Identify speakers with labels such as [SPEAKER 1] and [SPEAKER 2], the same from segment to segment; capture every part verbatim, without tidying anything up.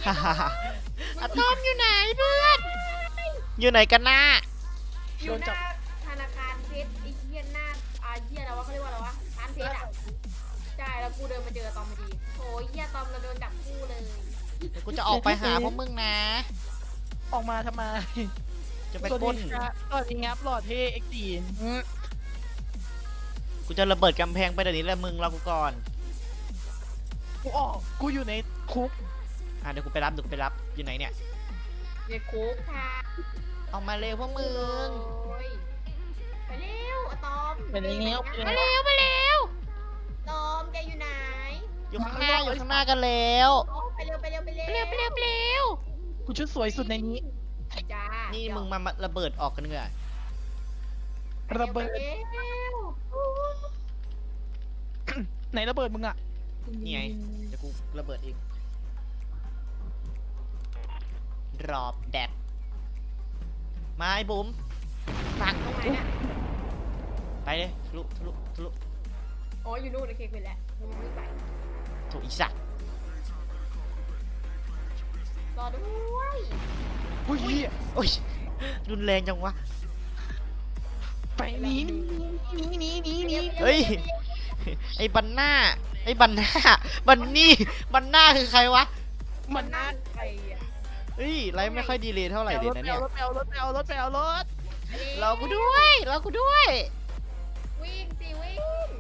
[SPEAKER 1] อะตอมอยู่ไหนเพื่อนอยู่ไหนกันนะ
[SPEAKER 2] อยู่หน้าธนาคารเพชรไอ้เหี้ยหน้าอาเหี้ยอะไรวะเขาเรียกว่าอะไรวะร้านเพชรอ่ะใช่แล้วกูเดินมาเจอตอมพอดีโอ้ยเหี้ยตอมเราโดนจับคู่เลย
[SPEAKER 1] เดี๋ยวกูจะออกไปหาพวกมึงนะ
[SPEAKER 3] ออกมาทำไม
[SPEAKER 1] จะไปปล้น
[SPEAKER 3] ตอนนี้งับหลอดเทเอ็กซ์ตีน
[SPEAKER 1] กูจะระเบิดกำแพงไปเดี๋ยวนี้แหละมึงรอกูก่อน
[SPEAKER 3] กูออกกูอยู่ในคุก
[SPEAKER 1] อ่ะเดี๋ยวกูไปรับเดี๋ยวกูไปรับอยู่ไหนเนี่ย
[SPEAKER 2] ในคุกค่ะ
[SPEAKER 1] ออกมาเร็วพวกมึง
[SPEAKER 2] ไปเร็วอะตอม
[SPEAKER 3] ไปเร็ว
[SPEAKER 1] ไปเร็วไปเร็ว
[SPEAKER 2] ตอมแกอยู่ไหน
[SPEAKER 1] อยู่ข้างหน้าอยู่ข้างหน้ากันแล้ว
[SPEAKER 2] ไปเร็วไปเร็วไปเร็ว
[SPEAKER 1] ไปเร็วไปเร็วไปเร็ว
[SPEAKER 3] กูชุดสวยสุดในนี้
[SPEAKER 2] จ้า
[SPEAKER 1] นี่มึงมาระเบิดออกกันเถอะ
[SPEAKER 3] ระเบิดไหนระเบิดมึงอ่ะ
[SPEAKER 1] นี่ไงเดี๋ยวกูระเบิดเองรอบแดดมาไอ้บุ๋มฟังตรงไหนน่ะไปเลยทะลุทะลุทะลุ
[SPEAKER 2] อ๋ออยู่นู่นโอเคไปแล้วมึงไม่ไป
[SPEAKER 1] ถูกอีสัตว์
[SPEAKER 2] รอด้วย
[SPEAKER 3] อุ้ย
[SPEAKER 1] โอ้ยรุนแรงจังวะ
[SPEAKER 3] ไปนี้นี้นี้นี้นี้
[SPEAKER 1] เฮ้ยไอ้บันหน้าไอ้บันหน้าบันนี่บันหน้าคือใครวะ
[SPEAKER 3] บันหน้า
[SPEAKER 2] ใครอ่ะ
[SPEAKER 1] เฮ้ยไลฟ์ไม่ค่อยดีเลยเท่าไหร่เลยนะเนี่ย
[SPEAKER 3] รถไปเอารถไปเอารถไปเอารถ
[SPEAKER 1] รอกูด้วยรอกูด้วย
[SPEAKER 2] วิ่งสิวิ่ง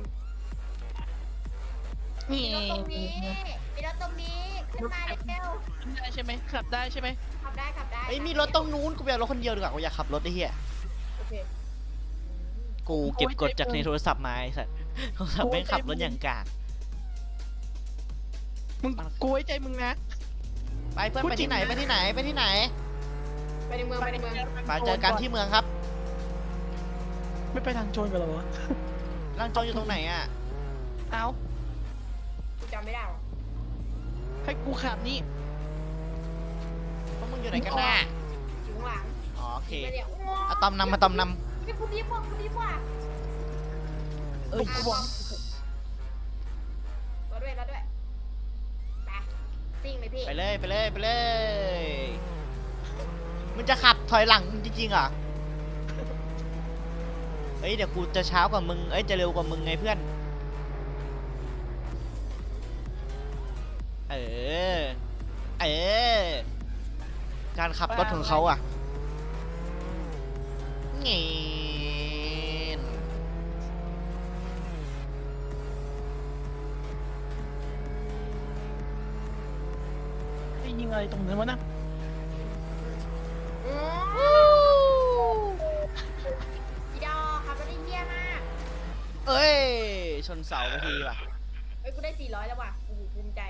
[SPEAKER 3] มี
[SPEAKER 2] รถตรงนี้มีรถตรงนี้ขึ้นมาเร็ว
[SPEAKER 3] ได้ใช่ไหมขับได้ใช่ไหม
[SPEAKER 2] ขับได้ขับได้
[SPEAKER 1] เฮ้ยมีรถตรงนู้นกูไปเอารถคนเดียวดีกว่ากูอยากขับรถไอ้เหี้ย
[SPEAKER 2] โอเค
[SPEAKER 1] กูเก็บกดจากในโทรศัพท์มาไอ้สัสโทรศัพท์แม่งขับรถอย่างกาก
[SPEAKER 3] มึงกูไว้ใจมึงนะ
[SPEAKER 1] ไปเพื่อนไปที่ไหนไปที่ไหนไปที่ไหน
[SPEAKER 2] ไปในเมืองไปในเมือง
[SPEAKER 1] ไปเจอกันที่เมืองครับ
[SPEAKER 3] ไม่ไปทางโจรกันหรอวะ
[SPEAKER 1] ทางโจรอยู่ตรงไหนอ่ะ
[SPEAKER 3] เอา
[SPEAKER 2] กูจำไม่ได้หรอ
[SPEAKER 3] ให้กูขับนี่
[SPEAKER 1] พวกมึงอยู่ไหนกันน่ะ
[SPEAKER 2] อยู่ข้างหลัง
[SPEAKER 1] อ๋อโอเคอะตอมนำมาตอมนำ
[SPEAKER 2] นี่กูดีกว่ากูดีกว่า
[SPEAKER 3] เออกูบอก
[SPEAKER 2] รถด้วยรถด้วยไปซิ่งเลยพี่
[SPEAKER 1] ไปเลยไปเลยไปเลยมึงจะขับถอยหลังจริงๆเหรอเฮ้ยเดี๋ยวกูจะเช้ากว่ามึงเอ้ยจะเร็วกว่ามึงไงเพื่อนเออเออการขับรถของเขาอ่ะเงี้ย
[SPEAKER 3] ไอ้ยิงอะไรตรงนั้นวะนะ
[SPEAKER 2] อีดอขับรถได้เยี่ยมาก
[SPEAKER 1] เอ้ยชนเสาไปทีว่ะ
[SPEAKER 2] เอ้ยกูได้สี่ร้อยแล้วว่ะโอ้โหภูมิใจ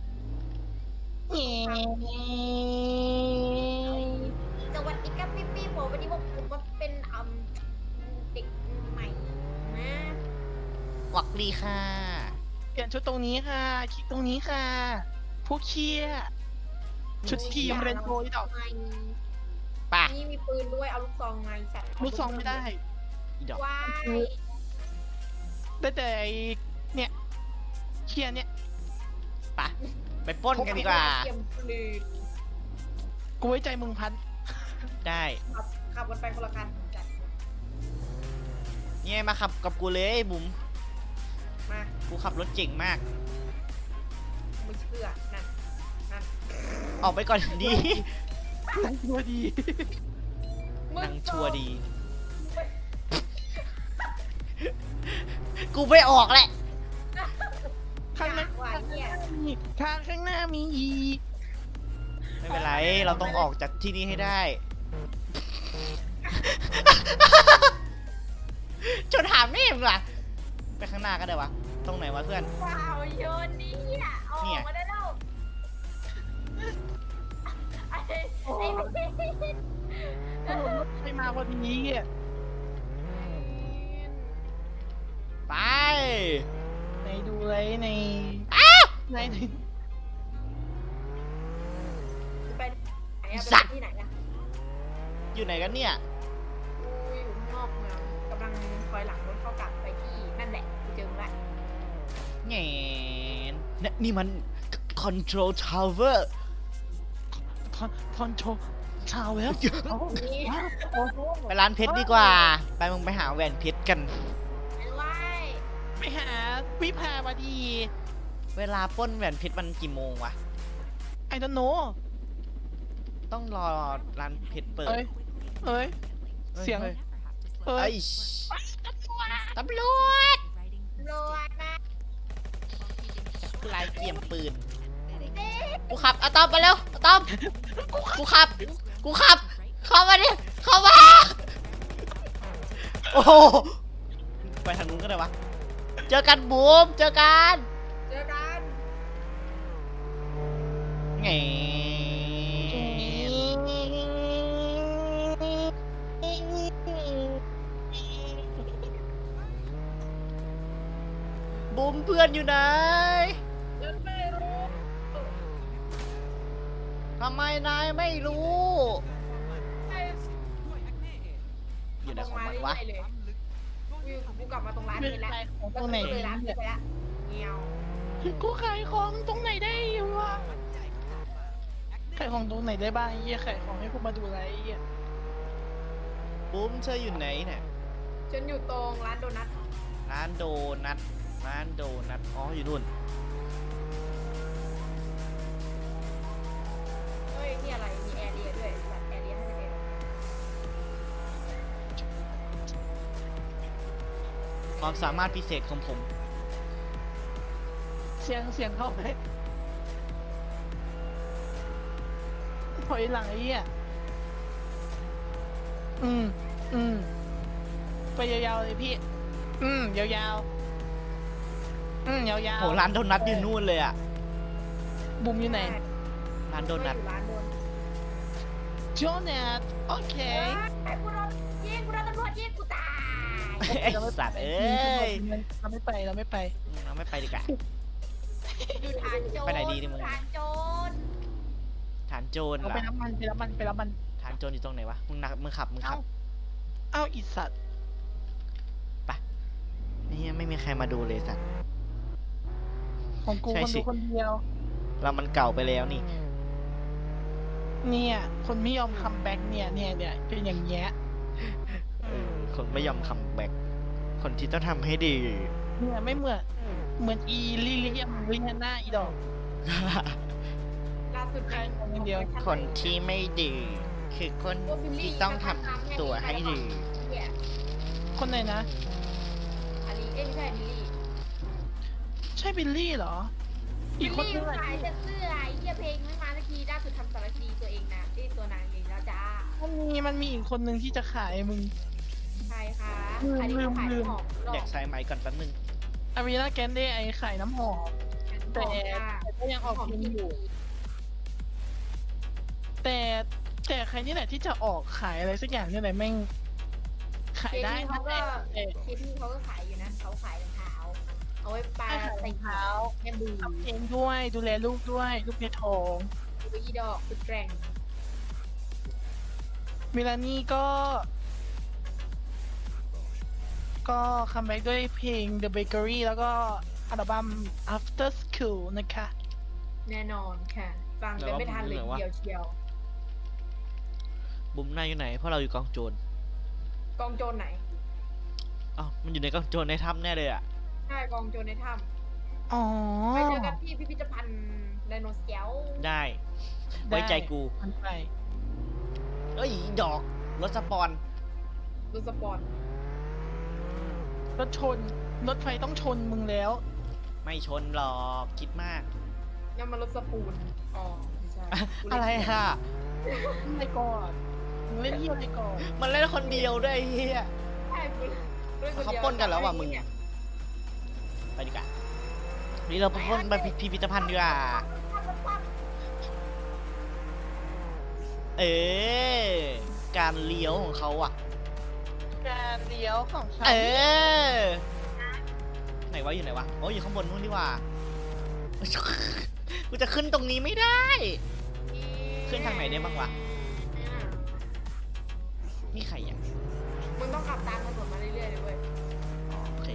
[SPEAKER 2] สวัสดีครับพี่พี่ผมวันนี้ผมผมมาเป็นอืมเด็กใหม่นะ
[SPEAKER 1] หวักดีค่ะ
[SPEAKER 3] เปลี่ยนชุดตรงนี้ค่ะคลิกตรงนี้ค่ะพวกเชี่ยชุดทีมเรนโบว์ที่ดอก
[SPEAKER 1] ป่ะ
[SPEAKER 2] นี่มีปืนด้วยเอาลูกซองไงสัตว์
[SPEAKER 3] ลูกซองไม่ได้
[SPEAKER 1] อีดอก
[SPEAKER 2] ว้าย
[SPEAKER 3] ได้แต่เนี่ยเชี่ยเนี่ย
[SPEAKER 1] ป่ะไปปล้นกันดีกว่า
[SPEAKER 3] กูไว้ใจมึงพัน
[SPEAKER 1] ได้
[SPEAKER 2] ขับขับกันไปคนละคันจัด
[SPEAKER 1] เนี่ยมาขับกับกูเลยบุ๋ม
[SPEAKER 2] มา
[SPEAKER 1] กูขับรถเจ๋งมาก
[SPEAKER 2] ไม่เชื่อนั่นนั่น
[SPEAKER 1] ออกไปก่อนดี
[SPEAKER 3] นั่งชัวดี
[SPEAKER 1] นั่งชัวดีกูไม่ออกแหละ
[SPEAKER 3] ข้างหน้ามีทางข้างหน้ามีอีก
[SPEAKER 1] ไม่เป็นไรเราต้องออกจากที่นี่ให้ได้จนถามนี่มึงล่ะไปข้างหน้าก็ได้วะตรงไหนวะเพื่อน
[SPEAKER 2] ว้าวโยนนี่อ่ะออกมาได้แล้วไอ้ไอ้
[SPEAKER 3] ไปมาพอดีอ่ะ
[SPEAKER 1] ไป
[SPEAKER 3] ในดูเลยในใน
[SPEAKER 2] ไปไหนอะไปที่ไหนอะ
[SPEAKER 1] อยู่ไหนกันเนี่ย
[SPEAKER 2] อยู่ข้างนอกเมืองกำลังคอยหลังรถเข้ากลับไปที่นั่นแหละกูเจอมึงละ
[SPEAKER 1] แง่นี่มัน control tower
[SPEAKER 3] อนทอนโชว์ชาวแล้วเอา
[SPEAKER 2] นี่
[SPEAKER 3] โอ้โห
[SPEAKER 1] ไปร้านเพชรดีกว่า ไปมึงไปหาแหวนเพชรกัน
[SPEAKER 2] ไม่ไหว
[SPEAKER 3] ไปหาวิภามาดี
[SPEAKER 1] เวลาปล้นแหวนเพชรมันกี่โมงวะ
[SPEAKER 3] ไอ้ดนโน
[SPEAKER 1] ต้องรอร้านเพชรเปิด
[SPEAKER 3] เอ้ยเอ้ย
[SPEAKER 1] อ้
[SPEAKER 3] เสียง
[SPEAKER 1] ฮ้
[SPEAKER 3] เอ้
[SPEAKER 1] เอ้
[SPEAKER 3] ย
[SPEAKER 1] ยตำรวจ
[SPEAKER 2] โลดนะ
[SPEAKER 1] ลายเกี่ยมปืน กูขับอะตอมมาเร็วอะตอม กูขับ กูขับ เข้ามาดิ เข้ามา โอ้โหไปทางนู้นก็ได้วะ เจอกันบูม เจอกัน
[SPEAKER 2] เจอกัน
[SPEAKER 1] ไงบูมเพื่อนอยู่ไหน
[SPEAKER 2] ยังไม่รู้
[SPEAKER 1] ทำไมนายไม่รู้
[SPEAKER 2] ไอ้
[SPEAKER 1] อยู่ไหน
[SPEAKER 2] ตรง
[SPEAKER 1] ของ
[SPEAKER 2] มา
[SPEAKER 1] มัน
[SPEAKER 2] เรื่
[SPEAKER 1] วะ
[SPEAKER 2] อยๆเลยกูกูกลับมาตรงร้าน
[SPEAKER 3] เป็
[SPEAKER 2] เพ
[SPEAKER 3] น
[SPEAKER 2] ชรแล้ว
[SPEAKER 3] ไรของต
[SPEAKER 2] ก็
[SPEAKER 3] รงไหน
[SPEAKER 2] เลยร้านเพชรไปแล้วเงี้ยว
[SPEAKER 3] กูขายของตรงไหนได้วะขายของตรงไหนได้บ้างไอ้เหี้ยขายของให้กูมาดูอะไรไอ้เหี้ย
[SPEAKER 1] บูมเธออยู่ไหนเนี่ย
[SPEAKER 2] ฉันอยู่ตรงร้านโดนัท
[SPEAKER 1] ร้านโดนัท ร้านโดนัท อ๋อ อยู่นู่น
[SPEAKER 2] เฮ้ยนี่อะไรมีแอร์เรียด้วยแบบแอร์เรียห้าสิบเอ็ด
[SPEAKER 1] ความสามารถพิเศษของผม
[SPEAKER 3] เสียงเสียงเข้าไหมถอยหลังไอ้เหี้ยอืมอืมไปยาวๆเลยพี่ อืมยาวๆอืมยาวๆ
[SPEAKER 1] โห ร้านโดนัทอยู่นู่นเลยอะ
[SPEAKER 3] บุมอยู่ไหน
[SPEAKER 1] ร้านโดนัท
[SPEAKER 2] อยู่ร้านโดน
[SPEAKER 3] โจนัทโอเค
[SPEAKER 2] ไอ้กูโดนยิงกูโดนตำรวจยิงกูตาย
[SPEAKER 1] ไอ้สัตว์เอ้ย
[SPEAKER 3] เราไม่ไปเราไม่ไป
[SPEAKER 1] เราไม่ไปดีกว่า
[SPEAKER 2] อยู่ฐานโจร
[SPEAKER 1] ไปไหนดีเนี่ยมึง
[SPEAKER 2] ฐานโจร
[SPEAKER 1] ฐานโจร
[SPEAKER 3] เรา
[SPEAKER 1] เหร
[SPEAKER 3] ไป
[SPEAKER 1] อ
[SPEAKER 3] รับมันไปรับมันไปรับมัน
[SPEAKER 1] ฐานโจรอยู่ตรงไหนวะ มึงนักมึงขับ มึงขั
[SPEAKER 3] เอ้า
[SPEAKER 1] บ
[SPEAKER 3] เอ้าอีสัตว์
[SPEAKER 1] นี่ไม่มีใครมาดูเลยสัตว์
[SPEAKER 3] ของกู
[SPEAKER 1] ใช่
[SPEAKER 3] คน
[SPEAKER 1] สิ
[SPEAKER 3] ดูคนเดียว
[SPEAKER 1] เรามันเก่าไปแล้วนี่
[SPEAKER 3] เนี่ยคนไม่ยอมคัมแบ็กเนี่ยเนี่ยเนี่ยเป็นอย่างเงี้ย
[SPEAKER 1] เออ คนไม่ยอมคัมแบ็กคนที่ต้องทำให้ดี
[SPEAKER 3] เนี่ยไม่เหมือนเหมือนอีลิเลียมลิเลียนาอีดอก
[SPEAKER 2] ล่าสุด
[SPEAKER 3] ใครคนเดียว
[SPEAKER 1] คนที่ไม่ดี คือคนที่ต้องทำตัวให้ดี
[SPEAKER 2] เนี่ย
[SPEAKER 3] คนไหนนะ
[SPEAKER 2] อันนี้เอ้ยไม่ใช่บิลลี่
[SPEAKER 3] ใช่บิลลี่เหรอ อีกคนนึง
[SPEAKER 2] บิล
[SPEAKER 3] อะ
[SPEAKER 2] ลี่ขายแต่เสื้อไอ้เหี้ยเพลงไม่มาสักทีล่าสุดทำสารคดีตัวเองนะที่ตัวนางเองแล้วจ้า
[SPEAKER 3] มันมีมันมีอีกคนนึงที่จะขายมึง
[SPEAKER 2] ใครคะ
[SPEAKER 3] ลืม
[SPEAKER 2] อันนี้
[SPEAKER 3] ลืม
[SPEAKER 2] ขาย
[SPEAKER 3] ลืม
[SPEAKER 2] หอมหลอ
[SPEAKER 1] อยาก กใส่ไม้ก่อนแป๊บนึง
[SPEAKER 3] อารีนาแกนเดไอขายน้ำหอม แต่
[SPEAKER 2] หอมค่ะ
[SPEAKER 3] แต่ก็ยังออก
[SPEAKER 2] หอม
[SPEAKER 3] เพลง
[SPEAKER 2] ที่
[SPEAKER 3] อยู่ แต่แต่ใครนี่แหละที่จะออกขายอะไรสักอย่างนี่แหละแม่งขาย
[SPEAKER 2] เค
[SPEAKER 3] ได้
[SPEAKER 2] ที่
[SPEAKER 3] นะ
[SPEAKER 2] เขาก็
[SPEAKER 3] แต่
[SPEAKER 2] เคที่เขาก็ขายอยู่นะเขาขายรองเท้าเอาไว้ปา
[SPEAKER 3] ขายร
[SPEAKER 2] ใส่
[SPEAKER 3] องเท้า
[SPEAKER 2] แม่บู
[SPEAKER 3] ทำเพลงด้วยดูแลลูกด้วยลูกในท้อง
[SPEAKER 2] ดูอีดอกสุดแกร่ง
[SPEAKER 3] มิลานี่ก็ ก็คัมแบ็กด้วยเพลง The Bakery แล้วก็อัลบั้ม After School นะคะ
[SPEAKER 2] แน่นอนค่ะ ฟังกันไม่ทันเลยทีเดียวเชียว
[SPEAKER 1] บุ้มนายอยู่ไหน เพราะเราอยู่กองโจร
[SPEAKER 2] กองโจรไหน
[SPEAKER 1] อ้าวมันอยู่ในกองโจรในถ้ำแน่เลยอ่ะ
[SPEAKER 2] ใช่กองโจรในถ้
[SPEAKER 3] อ๋อ
[SPEAKER 2] ำไปเจอกันที่พิพิธภัณฑ์ไดโนเสาร์
[SPEAKER 1] ได้ ไว้ใจกู
[SPEAKER 3] มันไป
[SPEAKER 1] เอ้ย ดอก รถสปอน
[SPEAKER 2] รถสปอร์ต
[SPEAKER 3] รถชน รถไฟต้องชนมึงแล้ว
[SPEAKER 1] ไม่ชนหรอก คิดมาก
[SPEAKER 2] นั่นมันรถสปูนอ๋อไม่ใช่กูเล่น
[SPEAKER 1] อะไรค่ะ
[SPEAKER 3] ไปก่อนมึงเล่นเยี่ยมไปก่อน
[SPEAKER 1] มันเล่นคนเดียวด้วยไอ้เฮีย
[SPEAKER 2] ใช่กูเล่นคดียว
[SPEAKER 1] เขาปล้นกันแล้วว่ะมึง ไปดีกว่านี่เราไปพ้นไปพิพิธภัณฑ์ดีกว่า เออ การเลี้ยวของเขาอ่ะ
[SPEAKER 3] การเลี้ยวของฉัน
[SPEAKER 1] เออ ไหนวะอยู่ไหนวะโอ้ยอยู่ข้างบนนู่นดีกว่า กูจะขึ้นตรงนี้ไม่ได้ ขึ้นทางไหนได้บ้างวะ นี่ใครอ่ะ
[SPEAKER 2] มึงต้องขับตามถนนมาเรื่อยๆเลยเว้ย
[SPEAKER 1] อ๋อโอเค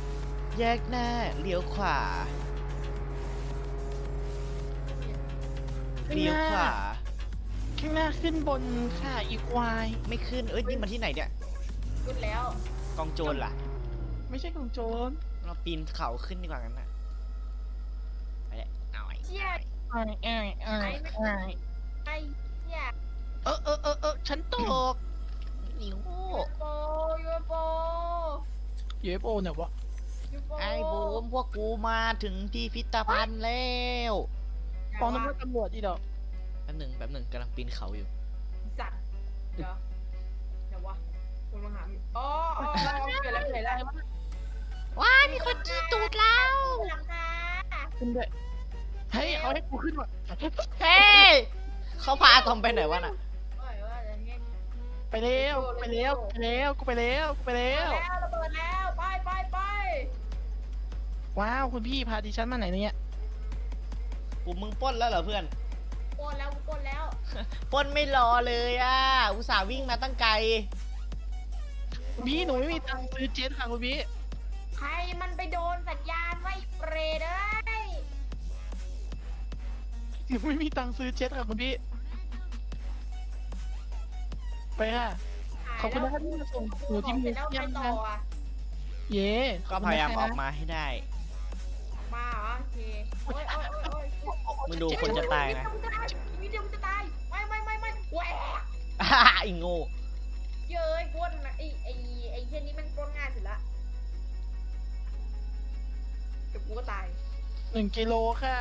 [SPEAKER 1] แยกหน้า เลี้ยวขวาเลี้ยวขวา
[SPEAKER 3] ข้างหน้าขึ้นบนค่ะอีควาย
[SPEAKER 1] ไม่ขึ้น เอ้ยนี่มันที่ไหนเนี่ย
[SPEAKER 2] ขึ้นแล้ว
[SPEAKER 1] กองโจรล่ะ
[SPEAKER 3] ไม่ใช่ของโจร
[SPEAKER 1] เราปีนเขาขึ้นดีกว่างั้นน่ะไปเลยเอาไอ้
[SPEAKER 2] เชี่ย
[SPEAKER 3] ไอ้ไอ้ไอ้ไอ้
[SPEAKER 2] ไอ้เชี่ย
[SPEAKER 3] เออเออเออเออฉันตก
[SPEAKER 1] นิ้ว
[SPEAKER 2] ยูโปยูโป
[SPEAKER 3] ยู เอฟ โอ เนี่ยวะ
[SPEAKER 2] ยูโป
[SPEAKER 1] ไอ้บูมพวกกูมาถึงที่พิพิธภัณฑ์แล้ว
[SPEAKER 3] ปองน้ำมันตำรวจอีดอก
[SPEAKER 1] แป๊บหนึ่งแป๊บหนึ่งกำลังปีนเขาอยู่
[SPEAKER 2] สัตว์เดี๋ยวเดี๋ยววะคุณมาหาพี่อ๋ออ๋อเกิดแล้วเกิดแล้ว
[SPEAKER 1] ว้ายมีคนจี้ตูดเรา
[SPEAKER 2] หลังคา
[SPEAKER 3] ขึ้นด้วยเฮ้ยเขาให้กูขึ้นว่ะ
[SPEAKER 1] เฮ้ยเขาพาทอมไปไหนวะน่ะ
[SPEAKER 2] เอ้ยว่าจะเงี้ย
[SPEAKER 3] ไปเร็วไปเร็วไปเร็วกูไปเร็วกูไปเร็
[SPEAKER 2] แล้ว วระเบิดแล้วไปไปไป
[SPEAKER 3] ว้าวคุณพี่พาดิฉันมาไหนเนี่ย
[SPEAKER 1] กูมึงปล้นแล้วเหรอเพื่อน
[SPEAKER 2] โกนแล้วโกนแล้ว
[SPEAKER 1] ปล้นไม่รอเลยอ่ะ อุตส่าห์วิ่งมาตั้งไกล
[SPEAKER 3] คุณพี่หนูไม่มีตังค์ซื้อเจ็ตค่ะคุณพี่
[SPEAKER 2] ใครมันไปโดนสัญญาณไว้เปรตเอ้ย
[SPEAKER 3] หนูไม่มีตังค์ซื้อเจ็ตค่ะคุณพี่ ไปค่ะ ขอบคุณนะครับที่มาส่งหนูที่มิว
[SPEAKER 2] แล้ว
[SPEAKER 3] เซีย
[SPEAKER 2] ไป
[SPEAKER 3] ม
[SPEAKER 2] ต่
[SPEAKER 3] นะ
[SPEAKER 2] ออ่ะ
[SPEAKER 3] เย่
[SPEAKER 1] ก็พยายามออกมาให้ได้
[SPEAKER 2] มาเหรอโอเคโอ้ยโอ้ยโอ้ยโอ้ย
[SPEAKER 1] มึงดูคนจะตายนะ
[SPEAKER 2] วิดีโอจะตายไม่ไม่ไม่ไม่แหวก
[SPEAKER 1] ไอ้โง่
[SPEAKER 2] เย้ยกวนนะไอ้ไอ้ไอ้เช่นนี้มันกวนงานสุดละเดี๋ยวกูก็ตาย
[SPEAKER 3] หนึ่งกิโลค่ะ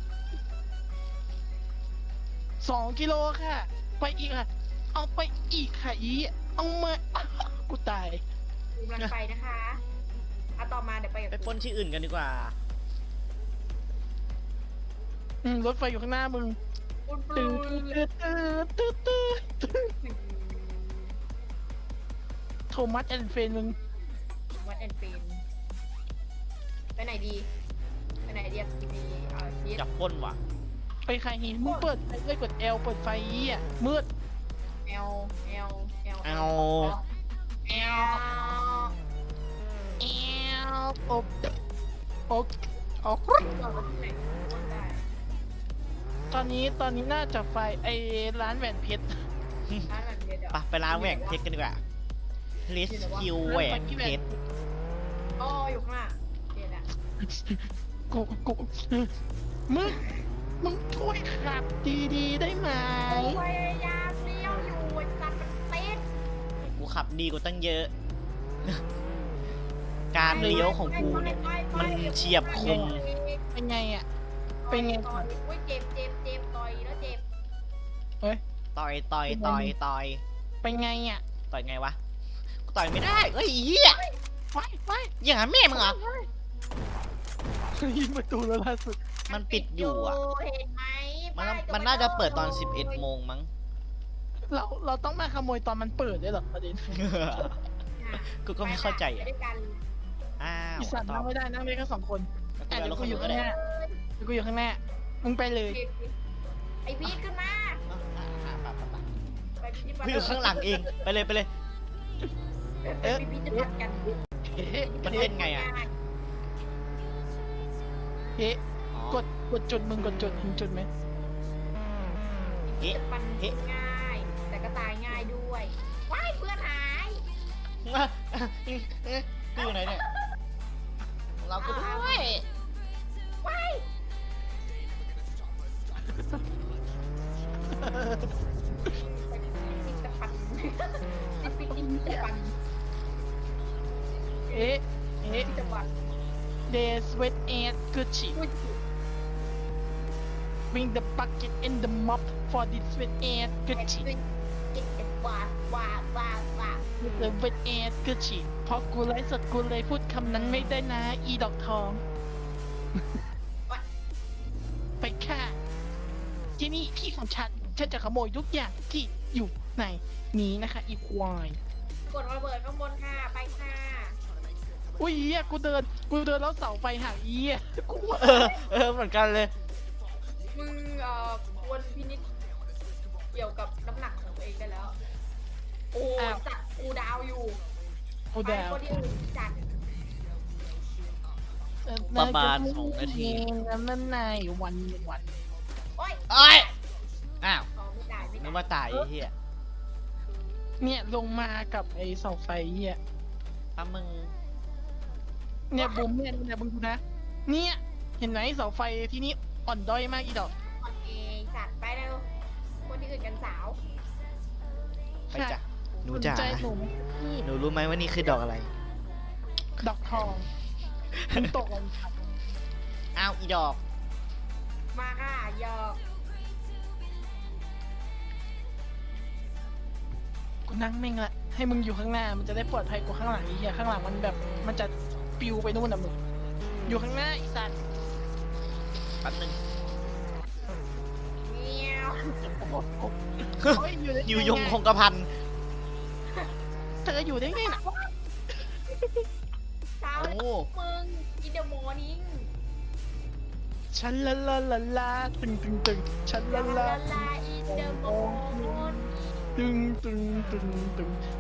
[SPEAKER 3] สองกิโลค่ะ ไปอีกค่ะ เอาไปอีกค่ะอีเอามากูตาย
[SPEAKER 2] กูกำลังไปนะคะเอาต่อมาเดี๋ยวไปกับ
[SPEAKER 1] ไป
[SPEAKER 2] กู
[SPEAKER 1] ปล้นที่อื่นกันดีกว่า
[SPEAKER 3] อืมรถไฟอยู่ข้างหน้ามึง
[SPEAKER 2] ปุ้นปุ้
[SPEAKER 3] ตื้
[SPEAKER 2] น
[SPEAKER 3] อตื้อตื้อตื้อตื้อตื้อโทมัสแอนด์เฟนมึง
[SPEAKER 2] วัดแอนด์เฟนไปไหนดีไปไหนดีอ่ะดีเอ่อชีส
[SPEAKER 1] จับปล้นว่ะ
[SPEAKER 3] ไปใครหินมึงเปิดไฟเลยกด L เปิดไฟอีอ่ะมืด
[SPEAKER 2] เอลเอลเอล
[SPEAKER 1] เอา
[SPEAKER 2] เอล
[SPEAKER 3] แอลอบอบอบ
[SPEAKER 2] บอกว่าที่ไหนคนได้
[SPEAKER 3] ตอนนี้ตอนนี้น่าจะไฟไอร้านแหวนเพชร
[SPEAKER 2] ร้านแบบเดียวเดี๋ยว
[SPEAKER 1] ไปไปร้านแหวนเพชรกันดีกว่าลิสคิวแหวนเพชร
[SPEAKER 2] อ๋ออยู่ข้างหน้าเดี๋ยวนะ
[SPEAKER 3] กูกูมึงมึงช่วยขับดีๆได้ไหม
[SPEAKER 2] กูพยายามเลี้ยวอยู่ไอ้สัตว์มันติด
[SPEAKER 1] กูขับดีกว่าตั้งเยอะ การเลี้ยวของกูเนี่ย มันเฉียบคม
[SPEAKER 3] เป็นไงอ่ะ เป็นไง
[SPEAKER 2] ต่อยอุ้ยเจ็บเจ็บเจ็บต่อยแล้วเจ็บ
[SPEAKER 3] เฮ้ย
[SPEAKER 1] ต่อยต่อยต่อยต่อย
[SPEAKER 3] เป็นไงอ่ะ
[SPEAKER 1] ต่อยไงวะ กูต่อยไม่ได้เฮ้ยเหี้ย
[SPEAKER 3] ไฟไฟ
[SPEAKER 1] อย่างนั้นแม่มึงเหรอ
[SPEAKER 3] ยิงประตูแล้วล่าสุด
[SPEAKER 1] มันปิดอยู่อ่ะ
[SPEAKER 2] เห็นไหม
[SPEAKER 1] มัน
[SPEAKER 2] ป้ย
[SPEAKER 1] มันน่าจะเปิดตอนสิบเอ็ดโมงมั้ง
[SPEAKER 3] เราเราต้องมาขโมยตอนมันเปิดด้วยเหรอประเด็น
[SPEAKER 1] กูก็ไม่เข้าใจ
[SPEAKER 2] ไป
[SPEAKER 1] อ่ะ
[SPEAKER 2] ด้วยกัน
[SPEAKER 1] อ้าว
[SPEAKER 3] อีสัตว์
[SPEAKER 1] ต่อ
[SPEAKER 3] นั่งไม่ได้นั่งได้แค่สองคน
[SPEAKER 1] แล้ว
[SPEAKER 3] อ่ะ
[SPEAKER 1] กู
[SPEAKER 3] เดี๋ยว
[SPEAKER 1] เอารถ
[SPEAKER 3] กู
[SPEAKER 1] คัน
[SPEAKER 3] อยู่
[SPEAKER 1] นู้นก็ได้
[SPEAKER 3] ข้างหน้าเดี๋ยวกูอยู่ข้างหน้ามึงไปเลย
[SPEAKER 2] ไอพีทขึ้นมา
[SPEAKER 1] อ่ะอ่ะอ่ะไปไปไป
[SPEAKER 2] ไปพีท
[SPEAKER 1] กูอยู่ข้างหลังเอง ไปเลยไปเลย
[SPEAKER 2] เออพีทจะผัดกัน
[SPEAKER 3] เอ๊ะ
[SPEAKER 1] มันเล่นไงอ่ะ
[SPEAKER 3] เอ๊ะ
[SPEAKER 1] อ๋อก
[SPEAKER 3] ดกดจุดมึงกดจุดมึงจุดไหม
[SPEAKER 1] เอ๊ะ
[SPEAKER 2] จะปัน
[SPEAKER 1] เอ๊ะ
[SPEAKER 2] ง่าย แต่ก็ตายง่ายด้วยว้ายเพื่อนหาย
[SPEAKER 1] อ่ะอ่ะเอ๊ะเอ๊ะกูอยู่ไหนเนี่ย เราก็ด้วย
[SPEAKER 2] ว้ายปิดตะปันปิดปิดตะปัน
[SPEAKER 3] เอ๊ะเอ๊ะ
[SPEAKER 2] ปิดตะปัน
[SPEAKER 3] They sweat and good shit
[SPEAKER 2] อุ้ย
[SPEAKER 3] Bring the bucket and the mop for this sweat and good
[SPEAKER 2] เอ็ด
[SPEAKER 3] shit
[SPEAKER 2] ปิดเอ็ดเอ็ดว้าว้าว้าว้า
[SPEAKER 3] The wet and good shit เพราะกูไลฟ์สดกูเลยพูดคำนั้นไม่ได้นะ อีดอกทอง ไปค่ะที่นี่พี่ของฉัน ฉันจะขโมยทุกอย่างที่อยู่ในนี้นะคะ อีควาย
[SPEAKER 2] กดระเบิดข้างบนค่ะ ไปค่ะ
[SPEAKER 3] อุ้ยเหี้ยกูเดิน กูเดินแล้วเสาไฟหักเหี้ยกูว่า
[SPEAKER 1] เออ เออ เหมือนกันเลย
[SPEAKER 2] มึงเอ่อควรพินิจเกี่ยวกับน้ำหนักของตัวเองได้แล้ว โอ้ยจัดกูดาวอยู่
[SPEAKER 3] กู
[SPEAKER 2] ไป
[SPEAKER 3] ดาว
[SPEAKER 2] คนที่อื่นจัด
[SPEAKER 1] ประมาณสองนาที
[SPEAKER 3] นั่นในวันวัน
[SPEAKER 2] โอ้ย
[SPEAKER 1] โอ้ยกว่าตายไอ้เหี้ย
[SPEAKER 3] เนี่ยลงมากับไอ้เสาไฟเหี้ย
[SPEAKER 1] ถ้ามึง
[SPEAKER 3] เนี่ยบุ้มเนี่ยเนี่ยมึงดูนะ เนี่ยเห็นไหมเสาไฟที่นี่อ่อนด้อยมากอีดอก
[SPEAKER 2] โอเคสัตว์ไปเร็วคนที่อื่นกันสาว
[SPEAKER 1] ไปจ้ะหนูจ๋า
[SPEAKER 3] สนใจหนูไหมพี่
[SPEAKER 1] หนูรู้ไหมว่านี่คือดอกอะไร
[SPEAKER 3] ดอกทองมึงตกอะไร
[SPEAKER 1] อ้าวอีดอก
[SPEAKER 2] มาค่ะหยอก
[SPEAKER 3] กูนั่งแม่งละให้มึงอยู่ข้างหน้ามันจะได้ปลอดภัยกว่าข้างหลังไอ้เหี้ยข้างหลังมันแบบมันจะปิวไปนู่นน่ะมึงอยู่ข้างหน้าไอีสัตว์
[SPEAKER 1] แป๊บนึง
[SPEAKER 2] เมียว
[SPEAKER 3] โอ้ยอยู่ได้
[SPEAKER 1] อยู่ยงคงกระพัน
[SPEAKER 3] เธออยู่ได้ไงน่ะ
[SPEAKER 2] เช้า
[SPEAKER 1] โอ้
[SPEAKER 2] มึงกินเดอะมอร์นิ่ง
[SPEAKER 3] ฉันละละละละตึงตึงตึงฉัน
[SPEAKER 2] ลา
[SPEAKER 3] ละ
[SPEAKER 2] ลา
[SPEAKER 3] ละ
[SPEAKER 2] ลาอินเดอะมอร์นิ่ง
[SPEAKER 3] ตึงตึงตึงตึง